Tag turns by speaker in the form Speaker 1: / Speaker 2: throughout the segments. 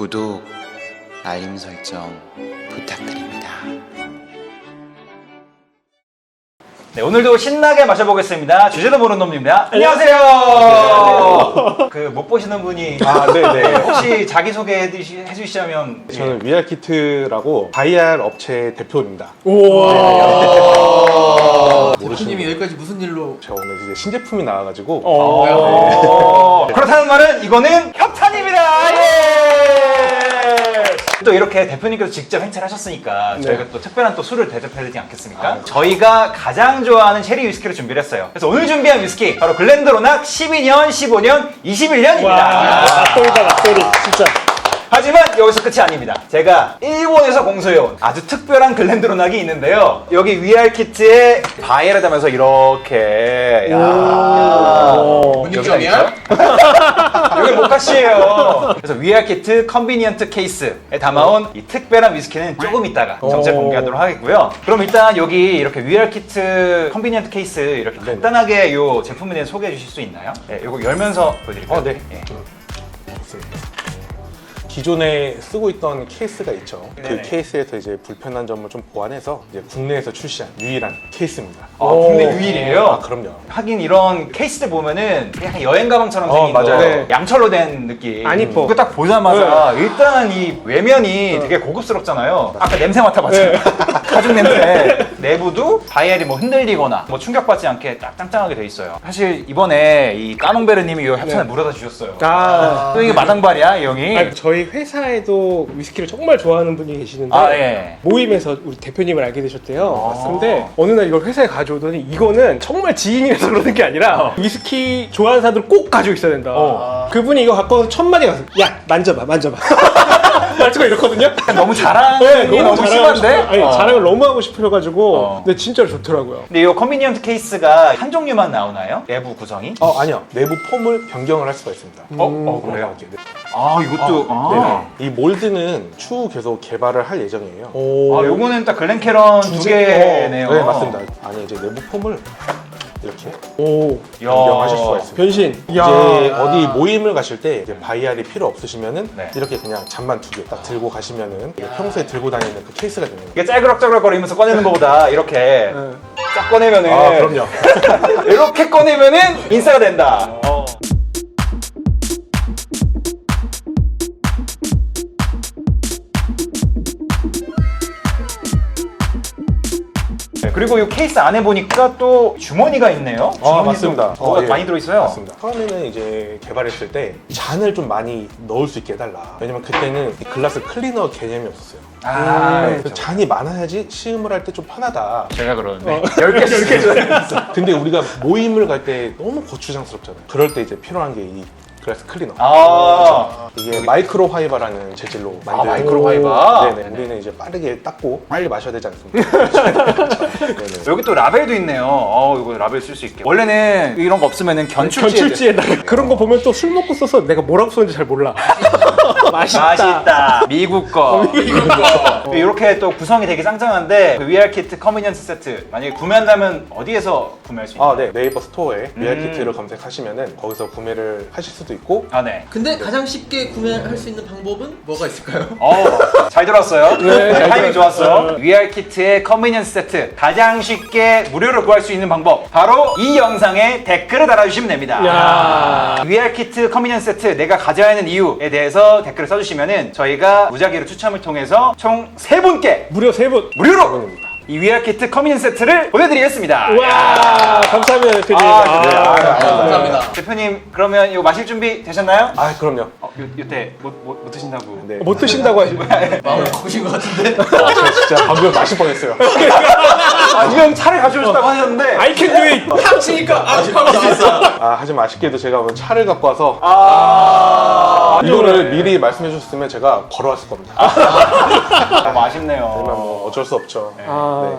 Speaker 1: 구독, 알림 설정 부탁드립니다.
Speaker 2: 네, 오늘도 신나게 마셔보겠습니다. 주제도 모르는 놈입니다. 안녕하세요. 그 못 보시는 분이
Speaker 3: 네네.
Speaker 2: 혹시 자기 소개 해주시자면.
Speaker 3: 저는 위알키트라고 바이알 업체 대표입니다.
Speaker 4: 대표님이 여기까지 무슨 일로?
Speaker 3: 제가 오늘 이제 신제품이 나와가지고
Speaker 2: 그렇다는 말은 이거는 협찬입니다. 예! 또 이렇게 대표님께서 직접 행차를 하셨으니까 저희가 또 특별한 또 술을 대접해야 되지 않겠습니까? 저희가 가장 좋아하는 체리 위스키를 준비를 했어요. 그래서 오늘 준비한 위스키 바로 글렌드로낙 12년, 15년, 21년입니다.
Speaker 5: 소리 진짜.
Speaker 2: 하지만 여기서 끝이 아닙니다. 제가 일본에서 공수해온 아주 특별한 글렌드로낙이 있는데요. 여기 위알키트에 바이에르다면서 이렇게
Speaker 4: 문익점이야?
Speaker 2: 여기 모카시예요. 그래서 위알키트 컨비니언트 케이스에 담아온 이 특별한 위스키는 조금 있다가 정체 공개하도록 하겠고요. 그럼 일단 여기 이렇게 위알키트 컨비니언트 케이스 이렇게 간단하게 이 제품에 대해 소개해 주실 수 있나요? 네, 이거 열면서 보여드릴까요?
Speaker 3: 네. 기존에 쓰고 있던 케이스가 있죠.
Speaker 2: 네네.
Speaker 3: 그 케이스에서 이제 불편한 점을 좀 보완해서 이제 국내에서 출시한 유일한 케이스입니다.
Speaker 2: 국내 유일이에요?
Speaker 3: 그럼요.
Speaker 2: 하긴 이런 케이스들 보면은 그냥 여행 가방처럼 생긴
Speaker 3: 맞아요.
Speaker 2: 거
Speaker 3: 네.
Speaker 2: 양철로 된 느낌.
Speaker 5: 안 이뻐.
Speaker 2: 그거 딱 보자마자 일단 이 외면이 되게 고급스럽잖아요. 아까 냄새 맡아봤잖아요. 가죽 냄새. 내부도 바이엘이 뭐 흔들리거나 뭐 충격받지 않게 딱 짱짱하게 돼 있어요. 사실 이번에 이 까농베르님이 이 협찬을 물어다 주셨어요. 또 이게 마당발이야 이 형이.
Speaker 5: 아니, 저희 회사에도 위스키를 정말 좋아하는 분이 계시는데
Speaker 2: 예.
Speaker 5: 모임에서 우리 대표님을 알게 되셨대요. 근데 어느 날 이걸 회사에 가져오더니 이거는 정말 지인이라서 그러는 게 아니라 위스키 좋아하는 사람들은 꼭 가지고 있어야 된다. 그분이 이거 갖고 와서 첫 마디 가서 야 만져봐. 말투가 이렇거든요.
Speaker 2: 너무 자랑이 너무 심한데?
Speaker 5: 아니 자랑을 너무 하고 싶어가지고 근데 진짜로 좋더라고요.
Speaker 2: 근데 이 컨비니언트 케이스가 한 종류만 나오나요? 내부 구성이?
Speaker 3: 아니요. 내부 폼을 변경을 할 수가 있습니다.
Speaker 2: 그래요?
Speaker 3: 이렇게.
Speaker 2: 이것도
Speaker 3: 이 몰드는 추후 계속 개발을 할 예정이에요.
Speaker 2: 요거는 딱 글렌캐런 두 개네요.
Speaker 3: 네, 맞습니다. 안에 이제 내부 폼을 이렇게
Speaker 5: 오
Speaker 3: 변경하실 수가 있습니다.
Speaker 5: 변신.
Speaker 3: 이제 어디 모임을 가실 때 이제 바이알이 필요 없으시면은
Speaker 2: 네.
Speaker 3: 이렇게 그냥 잔만 두 개 딱 들고 가시면은 이게 평소에 들고 다니는 그 케이스가 되는 거예요.
Speaker 2: 이게 짤그럭짤그럭거리면서 꺼내는 것보다 이렇게 쫙 꺼내면은
Speaker 3: 그럼요.
Speaker 2: 이렇게 꺼내면은 인싸가 된다. 네, 그리고 이 케이스 안에 보니까 또 주머니가 있네요. 주머니도
Speaker 3: 맞습니다.
Speaker 2: 뭐가
Speaker 3: 예.
Speaker 2: 많이 들어있어요.
Speaker 3: 맞습니다. 처음에는 이제 개발했을 때 잔을 좀 많이 넣을 수 있게 해달라. 왜냐면 그때는 이 글라스 클리너 개념이 없었어요. 그래서 잔이 많아야지 시음을 할 때 좀 편하다.
Speaker 2: 제가 그러는데 10개 줘요.
Speaker 3: 근데 우리가 모임을 갈 때 너무 거추장스럽잖아요. 그럴 때 이제 필요한 게 이 글라스 클리너. 이게 마이크로 화이바라는 재질로 만든.
Speaker 2: 마이크로 화이바?
Speaker 3: 네네. 우리는 이제 빠르게 닦고 빨리 마셔야 되지 않습니까? 네네.
Speaker 2: 여기 또 라벨도 있네요. 이거 라벨 쓸 수 있게. 원래는 이런 거 없으면은
Speaker 5: 견출지에다가 그런 거 보면 또 술 먹고 써서 내가 뭐라고 썼는지 잘 몰라.
Speaker 2: 맛있다. 미국 거. 이렇게 또 구성이 되게 짱짱한데 그 위알키트 컨비니언스 세트 만약에 구매한다면 어디에서 구매할 수 있나요?
Speaker 3: 네. 네이버 스토어에 위알키트를 검색하시면은 거기서 구매를 하실 수도 있고.
Speaker 2: 네.
Speaker 4: 근데 가장 쉽게 구매할 수 있는 방법은 뭐가 있을까요?
Speaker 2: 잘 들었어요.
Speaker 5: 잘
Speaker 2: 타이밍 좋았어. 위알키트의 컨비니언스 세트 가장 쉽게 무료로 구할 수 있는 방법 바로 이 영상에 댓글을 달아주시면 됩니다. 위알키트 컨비니언스 세트 내가 가져야 하는 이유에 대해서 댓글을 써주시면은 저희가 무작위로 추첨을 통해서 총 3분께
Speaker 5: 무려 3분.
Speaker 2: 무료로 이 위알키트 컨비니언스 세트를 보내드리겠습니다.
Speaker 5: 와 감사합니다 대표님.
Speaker 4: 감사합니다.
Speaker 2: 대표님 그러면 이거 마실 준비 되셨나요?
Speaker 3: 그럼요.
Speaker 2: 이때 못 드신다고.
Speaker 3: 네.
Speaker 5: 못 드신다고 하시고.
Speaker 4: 마음을 바꾸신 것 같은데?
Speaker 3: 진짜 방금 마실 뻔했어요.
Speaker 2: 이 형 차를 가져오셨다고 하셨는데
Speaker 5: I can do it.
Speaker 4: 탁치니까 아직하고 나왔어.
Speaker 3: 하지만 아쉽게도 제가 오늘 차를 갖고 와서 이거를 미리 말씀해 주셨으면 제가 걸어왔을 겁니다.
Speaker 2: 너무 아쉽네요.
Speaker 3: 하지만 뭐 어쩔 수 없죠. 네.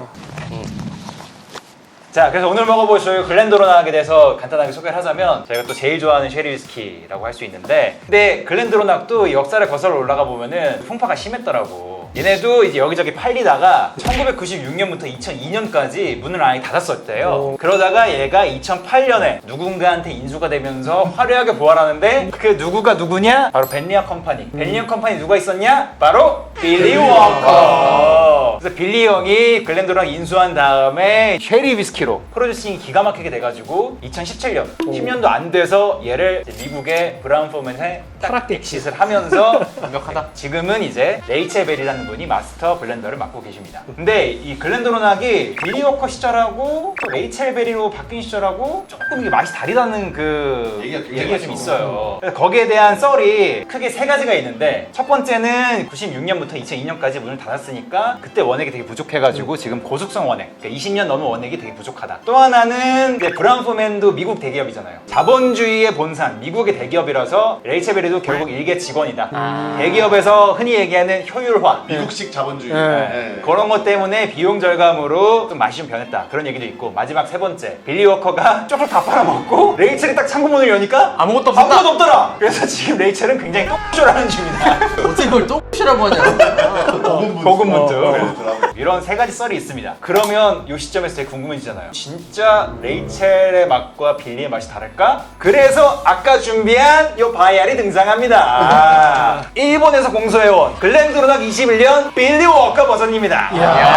Speaker 2: 자, 그래서 오늘 먹어볼 글렌드로낙에 대해서 간단하게 소개를 하자면 저희가 또 제일 좋아하는 쉐리 위스키라고 할 수 있는데 근데 글렌드로낙도 역사를 거슬러 올라가 보면은 풍파가 심했더라고. 얘네도 이제 여기저기 팔리다가 1996년부터 2002년까지 문을 아예 닫았었대요. 그러다가 얘가 2008년에 누군가한테 인수가 되면서 화려하게 부활하는데 그 누구가 누구냐? 바로 벤리아 컴퍼니. 벤리아 컴퍼니 누가 있었냐? 바로 빌리 워커. 그래서 빌리 형이 글렌도랑 인수한 다음에 쉐리 위스키로 프로듀싱이 기가 막히게 돼가지고 2017년 10년도 안 돼서 얘를 이제 미국의 브라운 포맨에 딱 엑싯을 하면서 완벽하다. 지금은 이제 레이첼 벨이라는 분이 마스터 블렌더를 맡고 계십니다. 근데 이 글렌도로낙이 빌리 워커 시절하고 또 레이첼 벨이로 바뀐 시절하고 조금 이게 맛이 다르다는 그 얘기가 좀 있어요. 그래서 거기에 대한 썰이 크게 세 가지가 있는데 첫 번째는 96년부터 2002년까지 문을 닫았으니까 그때 원액이 되게 부족해가지고 지금 고숙성 원액, 그러니까 20년 넘은 원액이 되게 부족하다. 또 하나는 이제 브라운 포맨도 미국 대기업이잖아요. 자본주의의 본산, 미국의 대기업이라서 레이첼 벨이도 결국 일개 직원이다. 대기업에서 흔히 얘기하는 효율화,
Speaker 6: 미국식 자본주의.
Speaker 2: 네. 그런 것 때문에 비용 절감으로 좀 맛이 좀 변했다. 그런 얘기도 있고 마지막 세 번째, 빌리 워커가 쪽을 다 빨아먹고 레이첼이 딱 창고문을 여니까 아무것도 없더라. 그래서 지금 레이첼은 굉장히 똥쇼라는 중입니다.
Speaker 4: 어떻게 그걸 똥이라고 하냐.
Speaker 2: 고군분투. 이런 세 가지 썰이 있습니다. 그러면 이 시점에서 되게 궁금해지잖아요. 진짜 레이첼의 맛과 빌리의 맛이 다를까? 그래서 아까 준비한 이 바이알이 등장합니다. 일본에서 공소해온 글렌도로낙 21년 빌리 워커 버전입니다.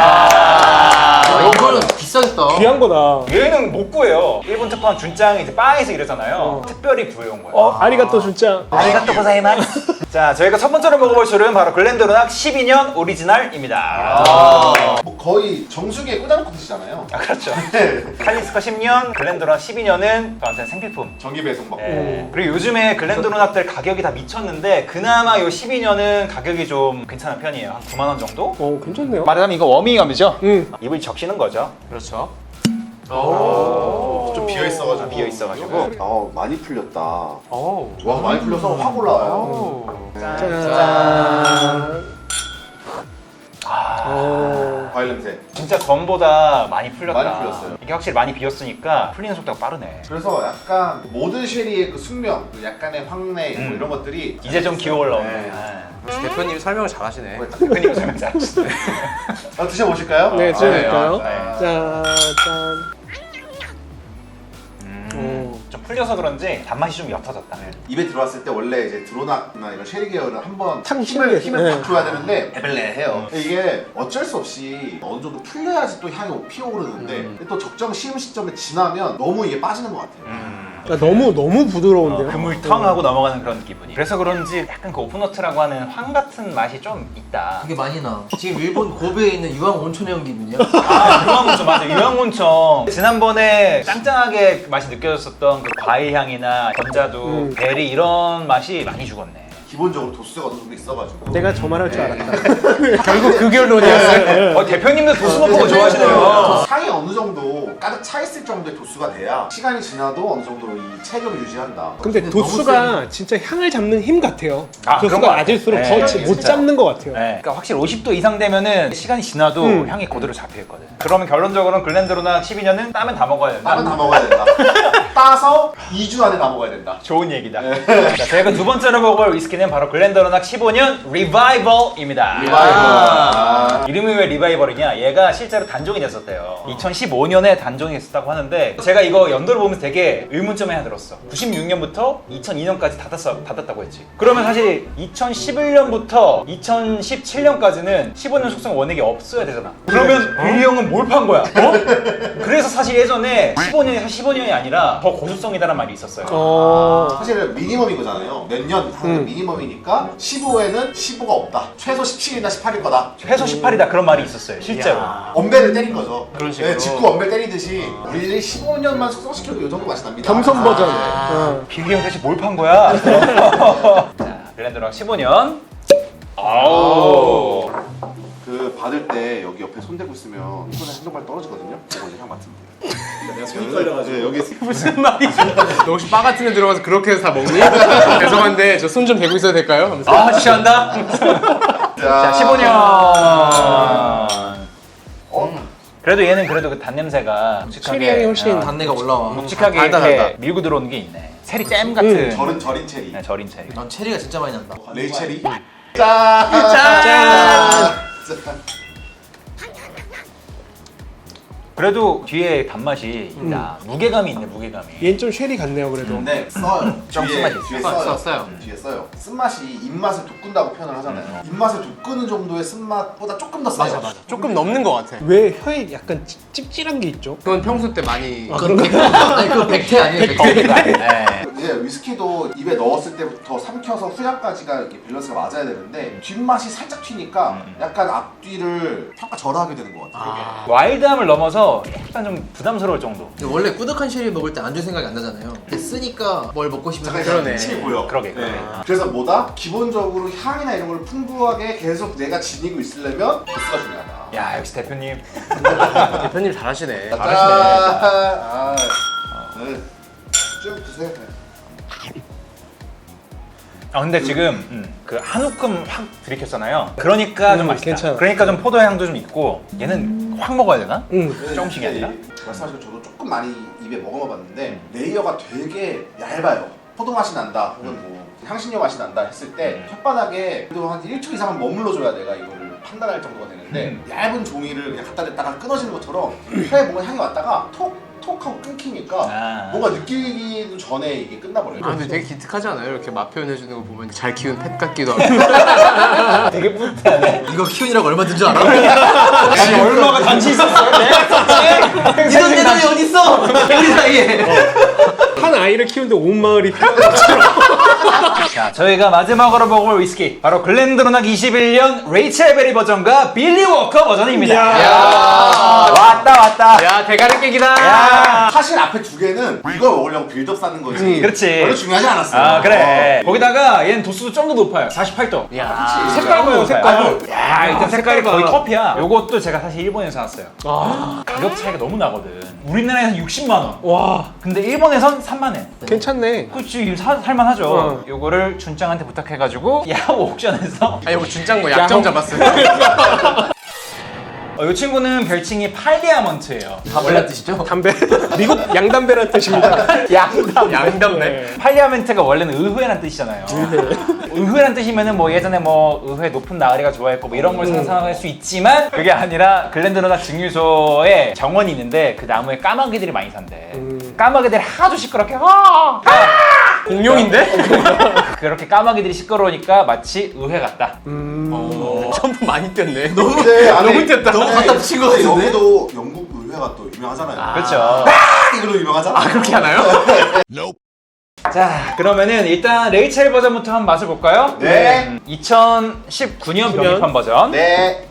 Speaker 4: 이거는 비싸겠다.
Speaker 5: 귀한 거다.
Speaker 2: 얘는 못 구해요. 일본 특파원 준짱이 이제 바에서 일하잖아요. 특별히 구해온 거예요.
Speaker 5: 아리가또 진짜.
Speaker 2: 아리가또 고자이마스. 자, 저희가 첫 번째로 먹어볼 술은 바로 글렌도로낙 12년 오리지널입니다.
Speaker 6: 뭐 거의 정수기에 꽂아놓고 드시잖아요.
Speaker 2: 아, 그렇죠. 칼리스커 10년, 글렌도로낙 12년은 저한테는 생필품.
Speaker 6: 전기 배송 받고.
Speaker 2: 예. 그리고 요즘에 글렌도로낙들 가격이 다 미쳤는데 그나마 요 12년은 가격이 좀 괜찮은 편이에요. 한 9만 원 정도?
Speaker 5: 괜찮네요.
Speaker 2: 말하자면 이거 워밍업이죠?
Speaker 5: 응.
Speaker 2: 입을 적시는 거죠. 그렇죠.
Speaker 6: 좀 비어 있어가지고.
Speaker 2: 비어 있어가지고.
Speaker 6: 많이 풀렸다. 와 많이 풀려서 확 올라와요.
Speaker 5: 짠.
Speaker 6: 과일 냄새.
Speaker 2: 진짜 전보다 많이 풀렸다.
Speaker 6: 많이 풀렸어요.
Speaker 2: 이게 확실히 많이 비었으니까 풀리는 속도가 빠르네.
Speaker 6: 그래서 약간 모든 쉐리의 그 숙명, 그 약간의 황내 뭐 이런 것들이
Speaker 2: 이제 좀 기어 올라오네.
Speaker 6: 네.
Speaker 4: 대표님이 설명을 잘하시네.
Speaker 2: 대표님 설명 잘하시네.
Speaker 6: 드셔보실까요?
Speaker 5: 네, 드셔볼까요?
Speaker 2: 네.
Speaker 5: 짠.
Speaker 2: 좀 풀려서 그런지 단맛이 좀 옅어졌다.
Speaker 6: 입에 들어왔을 때 원래 이제 드로낙이나 이런 쉐리 계열은 한번
Speaker 5: 탁
Speaker 6: 힘을
Speaker 5: 네.
Speaker 6: 팍 줘야 되는데 애벨레해요. 이게 어쩔 수 없이 어느 정도 풀려야지 또 향이 피어오르는데 또 적정 시음 시점에 지나면 너무 이게 빠지는 것 같아요.
Speaker 5: 그러니까 너무 부드러운데요.
Speaker 2: 그물텅하고 넘어가는 그런 기분이. 그래서 그런지 약간 그 오픈워트라고 하는 황 같은 맛이 좀 있다.
Speaker 4: 그게 많이 나. 지금 일본 고베에 있는 유황 온천형 기분이야.
Speaker 2: 아, 유황온천 맞아. 유황온천. 지난번에 짱짱하게 맛이 느껴졌었던 그 과일 향이나 건자두, 베리 이런 맛이 많이 죽었네.
Speaker 6: 기본적으로 도수가 어느 정도 있어가지고.
Speaker 5: 내가 저 말할 줄 알았다.
Speaker 4: 결국 그 결론이었어요.
Speaker 2: 대표님도 도수 높은 거 좋아하시네요.
Speaker 6: 향이 어느 정도 가득 차 있을 정도의 도수가 돼야 시간이 지나도 어느 정도 이 체격을 유지한다.
Speaker 5: 근데 도수가 진짜 향을 잡는 힘 같아요.
Speaker 2: 아, 그런 것
Speaker 5: 도수가
Speaker 2: 같아요.
Speaker 5: 낮을수록
Speaker 2: 네,
Speaker 5: 더 못
Speaker 2: 진짜.
Speaker 5: 잡는 것 같아요.
Speaker 2: 네. 그러니까 확실히 50도 이상 되면은 시간이 지나도 향이 그대로 잡혀있거든. 그러면 결론적으로는 글렌도로낙 12년은 따면 다 먹어야 된다.
Speaker 6: 따면 다 먹어야 된다. 따서 2주 안에 다 먹어야 된다.
Speaker 2: 좋은 얘기다. 자, 저희가 두 번째로 먹어볼 위스키는 바로 글렌도로낙 15년 리바이벌입니다.
Speaker 6: 리바이벌.
Speaker 2: 이름이 왜 리바이벌이냐? 얘가 실제로 단종이 됐었대요. 2015년에 단종이 됐었다고 하는데 제가 이거 연도를 보면서 되게 의문점이 하나 들었어. 96년부터 2002년까지 닫았다고 했지. 그러면 사실 2011년부터 2017년까지는 15년 숙성 원액이 없어야 되잖아. 그러면 빌리 형은 뭘 판 거야? 그래서 사실 예전에 15년이 사실 15년이 아니라 더 고수성이다라는 말이 있었어요.
Speaker 6: 사실은 미니멈인 거잖아요. 몇 년 하는 미니멈이니까 15에는 15가 없다. 최소 17이나 18일 거다.
Speaker 2: 최소 18이다 그런 말이 있었어요. 실제로.
Speaker 6: 엄배를 때린 거죠.
Speaker 4: 그런 식으로.
Speaker 6: 네, 직구 엄배 때리듯이 우리 15년만 숙성시켜도 이 정도 맛이 납니다.
Speaker 5: 겸손 버전.
Speaker 2: 빌리 형 대체 뭘 판 거야? 자, 글렌도로낙 15년. 아우.
Speaker 6: 그 받을 때 여기 옆에 손 대고 있으면 손에 한두 발 떨어지거든요. 이거 이제 향 맡으면 돼요. 내가 손이 깔려가지고. 네, 여기
Speaker 4: 무슨 말이지? 너 혹시 바 같은 데 들어가서 그렇게 해서 다 먹니? 죄송한데 저 손 좀 대고 있어도 될까요? 하면서.
Speaker 2: 아, 취한다? 자, 15년. 그래도 얘는 그래도 그 단냄새가
Speaker 5: 체리 향이 훨씬
Speaker 4: 단내가 올라와.
Speaker 2: 묵직하게
Speaker 4: 달다,
Speaker 2: 이렇게
Speaker 4: 달다.
Speaker 2: 밀고 들어오는 게 있네. 체리 잼 같은.
Speaker 6: 절인 체리.
Speaker 2: 네, 절인 체리.
Speaker 4: 난 체리가 진짜 많이 난다.
Speaker 6: 레이 체리.
Speaker 5: 짠!
Speaker 6: 진짜.
Speaker 2: 그래도 뒤에 단맛이 있다. 무게감이 있네, 무게감이.
Speaker 5: 얘는 좀 쉐리 같네요 그래도.
Speaker 6: 근데 써요.
Speaker 2: 좀
Speaker 6: 뒤에,
Speaker 2: 쓴맛이 있어요.
Speaker 6: 뒤에 써요.
Speaker 4: 써요.
Speaker 6: 뒤에 써요. 쓴맛이 입맛을 돋군다고 표현을 하잖아요. 입맛을 돋구는 정도의 쓴맛보다 조금 더 써요.
Speaker 4: 맞아. 조금 넘는 것 같아.
Speaker 5: 왜 혀에 약간 찝찝한 게 있죠?
Speaker 4: 그건 평소 때 많이.
Speaker 7: 아니 그거 백태 아니에요? 백태.
Speaker 2: 네.
Speaker 6: 이제 위스키도 입에 넣었을 때부터 삼켜서 후향까지가 이렇게 밸런스가 맞아야 되는데 뒷맛이 살짝 튀니까 약간 앞뒤를 평가절하하게 되는 것 같아요.
Speaker 2: 와일드함을 넘어서 약간 좀 부담스러울 정도.
Speaker 7: 원래 꾸덕한 쉐리 먹을 때 안주 생각이 안 나잖아요. 근데 쓰니까 뭘 먹고 싶은
Speaker 6: 잠깐
Speaker 7: 생각이
Speaker 4: 그러네.
Speaker 6: 침이 보여.
Speaker 2: 그러게.
Speaker 6: 그래서 뭐다? 기본적으로 향이나 이런 걸 풍부하게 계속 내가 지니고 있으려면 도수가 중요하다.
Speaker 2: 야, 역시 대표님.
Speaker 4: 대표님 잘하시네.
Speaker 6: 짠! 아, 네. 쭉 드세요.
Speaker 2: 아, 근데 지금 그 한 움큼 확 들이켰잖아요. 그러니까 좀 맛있다.
Speaker 5: 괜찮아.
Speaker 2: 그러니까 좀 포도 향도 좀 있고 얘는 확 먹어야 되나? 조금씩이 아니라?
Speaker 6: 말씀하신 거 저도 조금 많이 입에 먹어봤는데 레이어가 되게 얇아요. 포도 맛이 난다 혹은 뭐 향신료 맛이 난다 했을 때 혓바닥에 그래도 한 1초 이상은 머물러줘야 내가 이거를 판단할 정도가 되는데 얇은 종이를 그냥 갖다 댔다가 끊어지는 것처럼 혀에 뭔가 향이 왔다가 톡 하고 끊기니까
Speaker 2: 아.
Speaker 6: 뭔가 느끼기 전에 이게 끝나버려요.
Speaker 4: 아 근데 되게 기특하지 않아요? 이렇게 맛 표현해주는 거 보면 잘 키운 펫 같기도 하고.
Speaker 2: 되게 뿌듯하네.
Speaker 7: 이거 키우느라고 얼마 든 줄 알아?
Speaker 2: 아니, 얼마가 단지 있었어요? 네?
Speaker 7: 이런 대답이 어딨어? 우리 사이에.
Speaker 5: 한 아이를 키우는데 온 마을이 필요한 것처럼.
Speaker 2: 자, 저희가 마지막으로 먹을 위스키 바로 글렌드로낙 21년 레이첼 베리 버전과 빌리 워커 버전입니다. 왔다.
Speaker 4: 야 대가리 깨기다.
Speaker 2: 야.
Speaker 6: 사실 앞에 두 개는 이걸 먹으려고 빌드업 쌓는 거지.
Speaker 2: 그렇지.
Speaker 6: 별로 중요하지 않았어요.
Speaker 2: 아, 그래. 거기다가 얘는 도수도 좀 더 높아요. 48도.
Speaker 4: 야.
Speaker 5: 색깔 봐요 색깔.
Speaker 2: 야, 일단 색깔이 거의
Speaker 5: 봐.
Speaker 2: 커피야. 요것도 제가 사실 일본에서 샀어요. 가격 차이가 너무 나거든. 우리나라에선 60만 원.
Speaker 5: 와
Speaker 2: 근데 일본에선 3만 원.
Speaker 5: 괜찮네.
Speaker 2: 그치, 살만하죠. 요거를 준짱한테 부탁해가지고 야후 옥션에서
Speaker 4: 아 이거 준짱 뭐 약점 잡았어요.
Speaker 2: 이 친구는 별칭이 팔디아먼트예요.
Speaker 7: 다 몰란 뜻이죠?
Speaker 5: 담배. 미국 양담배란 뜻입니다.
Speaker 4: 양담네.
Speaker 2: 팔리아멘트가 원래는 의회란 뜻이잖아요. 의회란 뜻이면은 뭐 예전에 뭐 의회 높은 나으리가 좋아했고 뭐 이런 걸 상상할 수 있지만 그게 아니라 글렌드로낙 증류소에 정원이 있는데 그 나무에 까마귀들이 많이 산대. 까마귀들이 하도 시끄럽게
Speaker 4: 공룡인데?
Speaker 2: 그렇게 까마귀들이 시끄러우니까 마치 의회 같다.
Speaker 4: 점프 많이 뛰었네.
Speaker 6: 근데
Speaker 4: 너무 뛰었다.
Speaker 7: 너무 갖다 붙인 거 같은데?
Speaker 6: 여기도 영국 의회가 또 유명하잖아요.
Speaker 2: 그렇죠.
Speaker 6: 이걸로 유명하잖아.
Speaker 4: 아 그렇게 하나요?
Speaker 2: 자, 그러면은 일단 레이첼 버전부터 한번 맛을 볼까요?
Speaker 6: 네.
Speaker 2: 2019년 병입한 버전.
Speaker 6: 네.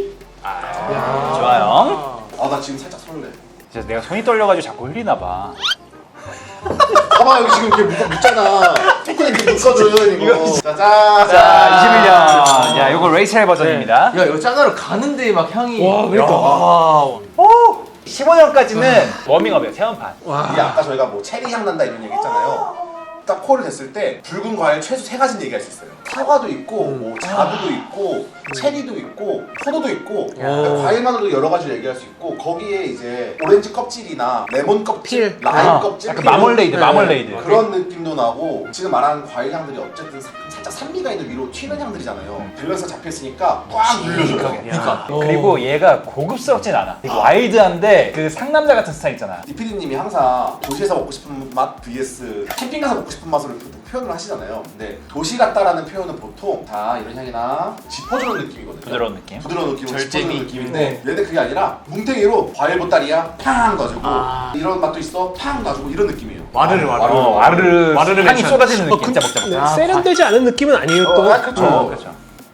Speaker 2: 좋아요.
Speaker 6: 아, 나 지금 살짝 설레.
Speaker 2: 진짜 내가 손이 떨려가지고 자꾸 흘리나 봐.
Speaker 6: 봐봐, 여기 지금 이렇게 묻잖아. 초콜릿 이렇게 묻거든, 이거. 짜잔.
Speaker 2: 자, 21년. 야, 요거 레이첼 버전입니다.
Speaker 7: 야 이거 짠하러 가는데 막 향이.
Speaker 5: 와 그러니까.
Speaker 2: 15년까지는 워밍업이에요, 체험판.
Speaker 6: 이게 아까 저희가 뭐 체리 향 난다 이런 얘기 했잖아요. 딱 코를 댔을 때 붉은 과일 최소 3가지는 얘기할 수 있어요. 사과도 있고, 뭐 자두도 있고, 체리도 있고, 포도도 있고, 그러니까 과일만으로도 여러 가지를 얘기할 수 있고, 거기에 이제 오렌지 껍질이나 레몬 껍질, 라임 껍질,
Speaker 2: 약간 마멀레이드, 마멀레이드.
Speaker 6: 그런 느낌도 나고 지금 말하는 과일 향들이 어쨌든 살짝 산미가 있는 위로 튀는 향들이잖아요. 밸런스가 잡혔으니까 꽉 눌려줘요.
Speaker 2: 그러니까. 그리고 얘가 고급스럽진 않아. 되게 와일드한데 그 상남자 같은 스타일 있잖아.
Speaker 6: 이피디님이 항상 도시에서 먹고 싶은 맛 vs 캠핑 가서 먹고 싶은 맛으로 표현을 하시잖아요. 근데 도시 같다라는 표현은 보통 다 이런 향이나 짚어주는 느낌이거든요.
Speaker 2: 부드러운 느낌.
Speaker 6: 부드러운 느낌으로
Speaker 7: 절제미.
Speaker 6: 짚어주는 느낌인데 얘는 그게 아니라 뭉탱이로 과일 보따리야 팡 놔주고 이런 맛도 있어 팡 놔주고 이런 느낌이에요.
Speaker 4: 와르르
Speaker 2: 와르르
Speaker 4: 와르르
Speaker 2: 향이
Speaker 4: 맨션.
Speaker 2: 쏟아지는 느낌. 먹자.
Speaker 5: 네, 세련되지 않은 느낌은 아니에요 또.
Speaker 6: 그렇죠.
Speaker 2: 그렇죠.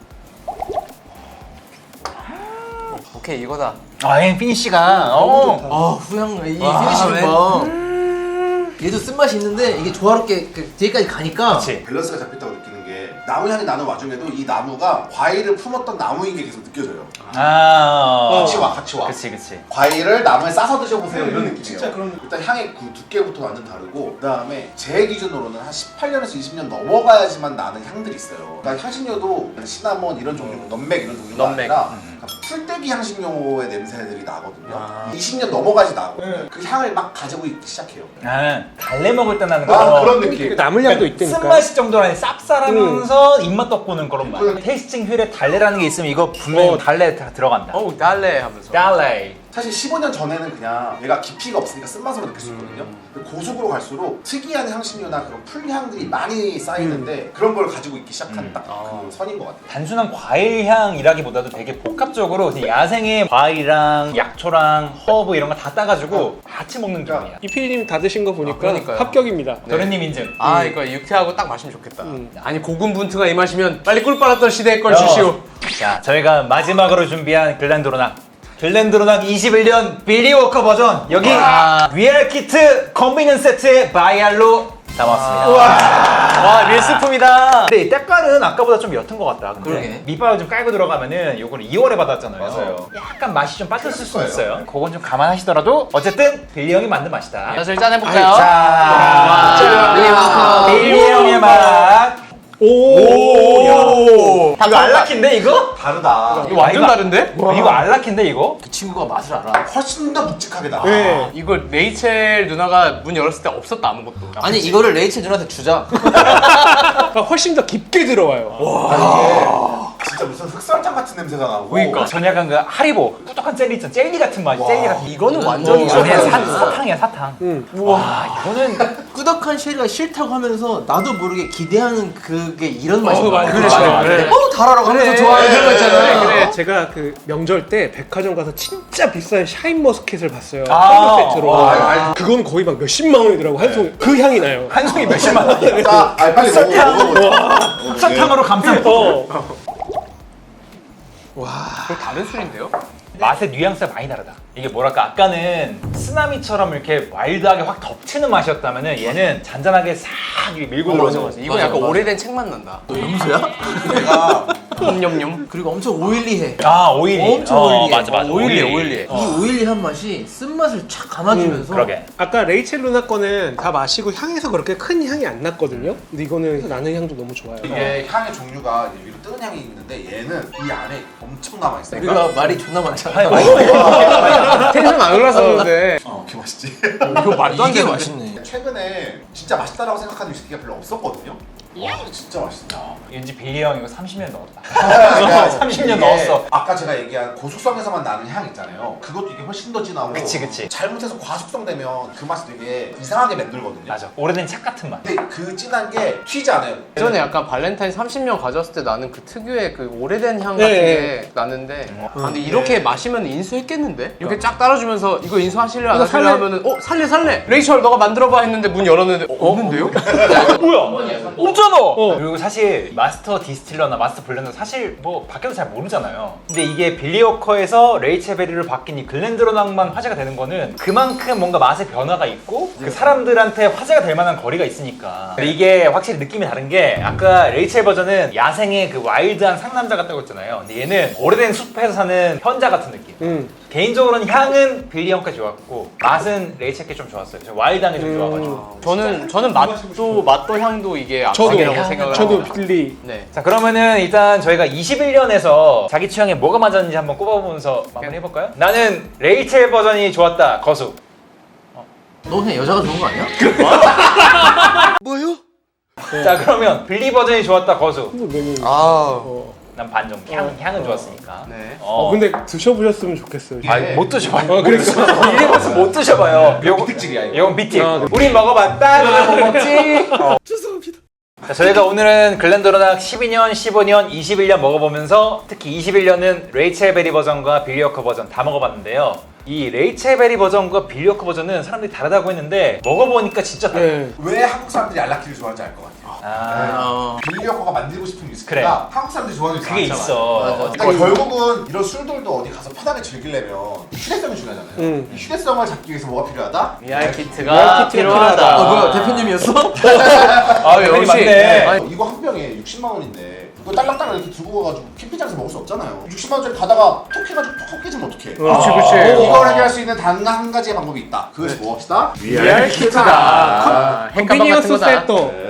Speaker 4: 오케이 이거다.
Speaker 2: 얘 피니쉬가.
Speaker 7: 아 후향 이 피니쉬 봐. 얘도 쓴맛이 있는데 이게 조화롭게 그 뒤에까지 가니까.
Speaker 2: 그렇지.
Speaker 6: 밸런스가 잡혔다고 느끼는 게 나무 향이 나는 와중에도 이 나무가 과일을 품었던 나무인 게 계속 느껴져요. 같이 와.
Speaker 2: 그치.
Speaker 6: 과일을 나무에 싸서 드셔보세요 이런 느낌이에요. 진짜 그런 일단 향의 그 두께부터 완전 다르고 그 다음에 제 기준으로는 한 18년에서 20년 넘어가야지만 나는 향들이 있어요. 그러니까 향신료도 시나몬 이런 종류, 넘맥 이런 종류가
Speaker 4: 넘맥.
Speaker 6: 아니라 그러니까 풀떼기 향신료의 냄새들이 나거든요. 20년 넘어가지 나거든요. 그 향을 막 가지고 있기 시작해요.
Speaker 2: 달래 먹을 때 나는
Speaker 6: 아,
Speaker 2: 거.
Speaker 6: 그런 느낌.
Speaker 5: 남을 향도 있다니까.
Speaker 2: 쓴맛이 정도로 아니 쌉쌀하면서 입맛 돋보는 그런 맛. 테이스팅 휠에 달래라는 게 있으면 이거 분명히 달래 다 들어간다.
Speaker 4: 어우 달래 하면서.
Speaker 2: 달래.
Speaker 6: 사실 15년 전에는 그냥 얘가 깊이가 없으니까 쓴맛으로 느낄 수 있거든요. 근데 고속으로 갈수록 특이한 향신료나 그런 풀향들이 많이 쌓이는데 그런 걸 가지고 있기 시작한 딱 그 선인 것 같아요.
Speaker 2: 단순한 과일 향이라기보다도 되게 복합적으로 그냥 야생의 과일이랑 약초랑 허브 이런 거 다 따가지고 같이 먹는 기분이야.
Speaker 5: 이 PD님 다 드신 거 보니까
Speaker 4: 그러니까요.
Speaker 5: 합격입니다.
Speaker 2: 도련님 인증.
Speaker 4: 아 이거 유쾌하고 딱 마시면 좋겠다. 아니 고군분투가 이 맛이면 빨리 꿀 빨았던 시대의 걸 주시오.
Speaker 2: 자, 저희가 마지막으로 준비한 글렌도로낙 21년 빌리 워커 버전 여기 VR 키트 컨비니언 세트에 바이알로 담았습니다. 와 밀수품이다. 근데 이 때깔은 아까보다 좀 옅은 것 같다. 근데
Speaker 7: 그러게.
Speaker 2: 밑밥을 좀 깔고 들어가면은 요거는 2월에 받았잖아요. 그래서 약간 맛이 좀 빠졌을 수 있어요. 그건 좀 감안하시더라도 어쨌든 빌리 형이 만든 맛이다.
Speaker 4: 자, 일단 해볼까요?
Speaker 2: 자, 빌리 형의 맛. 오, 이거 알라키인데 이거?
Speaker 6: 다르다.
Speaker 4: 이거 완전 다른데?
Speaker 2: 이거 알라키인데 이거?
Speaker 7: 그 친구가 맛을 알아.
Speaker 6: 훨씬 더 묵직하게 나.
Speaker 5: 네.
Speaker 4: 이거 레이첼 누나가 문 열었을 때 없었다 아무것도.
Speaker 7: 아니 이거를 레이첼 누나한테 주자.
Speaker 5: 그러니까 훨씬 더 깊게 들어와요.
Speaker 6: 진짜 무슨 흑설탕 같은 냄새가 나고.
Speaker 2: 그러니까 전 약간 그 하리보 꾸덕한 젤리 있잖아. 젤리 같은 맛이. 젤리 같은.
Speaker 4: 이거는 완전히
Speaker 2: 안에
Speaker 4: 이상해.
Speaker 2: 사탕이야 사탕. 와 이거는
Speaker 7: 꾸덕한 쉐리가 싫다고 하면서 나도 모르게 기대하는 그게 이런 맛이야.
Speaker 5: 맞아.
Speaker 2: 그래.
Speaker 7: 달아라고 하면서 좋아하는 그런 거 있잖아.
Speaker 4: 그래.
Speaker 5: 제가 그 명절 때 백화점 가서 진짜 비싼 샤인머스켓을 봤어요.
Speaker 2: 아.
Speaker 5: 선물 세트로. 그건 거의 막 몇십만 원이더라고 한 송. 그 향이 나요.
Speaker 2: 한 송이 몇십만 원이야.
Speaker 6: 자, 빨리 먹어보자.
Speaker 2: 설탕으로 감싼.
Speaker 4: 그거 다른 술인데요?
Speaker 2: 맛의 뉘앙스가 많이 다르다. 이게 뭐랄까 아까는 쓰나미처럼 이렇게 와일드하게 확 덮치는 맛이었다면은 얘는 잔잔하게 싹 밀고 들어오죠.
Speaker 4: 이거 약간 오래된 책맛 난다.
Speaker 7: 너 염소야?
Speaker 6: 내가
Speaker 4: 냠냠냠.
Speaker 7: 그리고 엄청 오일리해.
Speaker 2: 아 오일리.
Speaker 7: 엄청 오일리해.
Speaker 2: 맞아 맞아.
Speaker 4: 오일리해.
Speaker 7: 이 오일리한 맛이 쓴맛을 촥 감아주면서
Speaker 2: 그러게.
Speaker 5: 아까 레이첼 루나 거는 다 마시고 향에서 그렇게 큰 향이 안 났거든요. 근데 이거는 나는 향도 너무 좋아요.
Speaker 6: 이게 향의 종류가 이제 위로 뜨는 향이 있는데 얘는 이 안에 엄청 남아있어요.
Speaker 7: 우리가 말이 존나 많잖아.
Speaker 2: 아니 많이
Speaker 4: 텐션 안 올랐었는데.
Speaker 6: 그 맛있지.
Speaker 4: 이거 말도 안
Speaker 7: 이게
Speaker 4: 되는
Speaker 7: 맛있네.
Speaker 6: 최근에 진짜 맛있다라고 생각하는 위스키가 별로 없었거든요. 와, 진짜 맛있다.
Speaker 2: 왠지 빌리 형 이거 30년 넣었다. 30년 넣었어.
Speaker 6: 아까 제가 얘기한 고숙성에서만 나는 향 있잖아요. 그것도 이게 훨씬 더 진하고.
Speaker 2: 그치.
Speaker 6: 잘못해서 과숙성 되면 그 맛이 되게 이상하게 맴돌거든요.
Speaker 2: 맞아. 오래된 책 같은 맛.
Speaker 6: 근데 그 진한 게 튀지 않아요.
Speaker 4: 예전에 약간 발렌타인 30년 가졌을 때 나는 그 특유의 그 오래된 향
Speaker 5: 네.
Speaker 4: 같은 게 나는데 근데 이렇게 마시면 인수했겠는데? 이렇게 쫙 따라주면서 이거 인수하실래 안 하실래 하면은 살래 레이첼 너가 만들어봐 했는데 문 열었는데 없는데요?
Speaker 2: 뭐야? 없잖아. 그리고 사실 마스터 디스틸러나 마스터 블렌더 사실 뭐 밖에서 잘 모르잖아요. 근데 이게 빌리 워커에서 레이첼 베리를 바뀐 이 글렌드로낙만 화제가 되는 거는 그만큼 뭔가 맛의 변화가 있고 그 사람들한테 화제가 될 만한 거리가 있으니까. 근데 이게 확실히 느낌이 다른 게 아까 레이첼 버전은 야생의 그 와일드한 상남자 같다고 했잖아요. 근데 얘는 오래된 숲에서 사는 현자 같은 느낌. 개인적으로는 향은 빌리 형께 좋았고 맛은 레이첼께 좀 좋았어요. 저 와일드한 게 좀 좋아가지고.
Speaker 4: 저는 맛도 향도 이게 악착이라고 생각을
Speaker 5: 저도
Speaker 4: 합니다.
Speaker 5: 빌리.
Speaker 4: 네.
Speaker 2: 자 그러면은 일단 저희가 21년에서 자기 취향에 뭐가 맞았는지 한번 꼽아보면서 마무리 해볼까요? 나는 레이첼 버전이 좋았다. 거수.
Speaker 7: 너 그냥 여자가 좋은 거 아니야?
Speaker 2: 자 그러면 빌리 버전이 좋았다. 거수.
Speaker 4: 아.
Speaker 2: 난 반 정도. 향은 좋았으니까.
Speaker 4: 네.
Speaker 5: 근데 드셔보셨으면 좋겠어요.
Speaker 2: 아니 못 드셔봐요.
Speaker 5: 그러니까.
Speaker 2: 빌리 버전 못 드셔봐요. 요거
Speaker 6: 특징이야 이거.
Speaker 2: 이건 비틱. 우린 먹어봤다. 너는 못 먹지. 죄송합니다. 자, 저희가 오늘은 글렌도로낙 12년, 15년, 21년 먹어보면서 특히 21년은 레이첼 베리 버전과 빌리 워커 버전 다 먹어봤는데요. 이 레이첼 베리 버전과 빌리 워커 버전은 사람들이 다르다고 했는데 먹어보니까 진짜 달라요.
Speaker 5: 네.
Speaker 6: 왜 한국 사람들이 알라키를 좋아하는지 알 것 같아요. 빌리 워커가 만들고 싶은 위스키가
Speaker 2: 그래.
Speaker 6: 한국 사람들이 좋아하는 위스키가
Speaker 2: 그게
Speaker 6: 많잖아요.
Speaker 2: 있어.
Speaker 6: 그러니까 결국은 이런 술들도 어디 가서 편하게 즐기려면 휴대성이 중요하잖아요. 이 휴대성을 잡기 위해서 뭐가 필요하다?
Speaker 4: VR 키트가 필요하다.
Speaker 7: 뭐야 대표님이었어?
Speaker 4: 아
Speaker 2: 대표님
Speaker 4: 역시.
Speaker 2: 맞네.
Speaker 6: 이거 한 병에 60만 원인데 이거 딸랑딸랑 이렇게 두고 가가지고 캠핑장에서 먹을 수 없잖아요. 60만 원짜리 가다가 톡 해가지고 톡 깨지면 어떡해.
Speaker 4: 그렇지.
Speaker 6: 이걸 해결할 수 있는 단 한 가지의 방법이 있다. 그것이 무엇이다?
Speaker 4: VR 키트다.
Speaker 5: 컨비니언스 세터.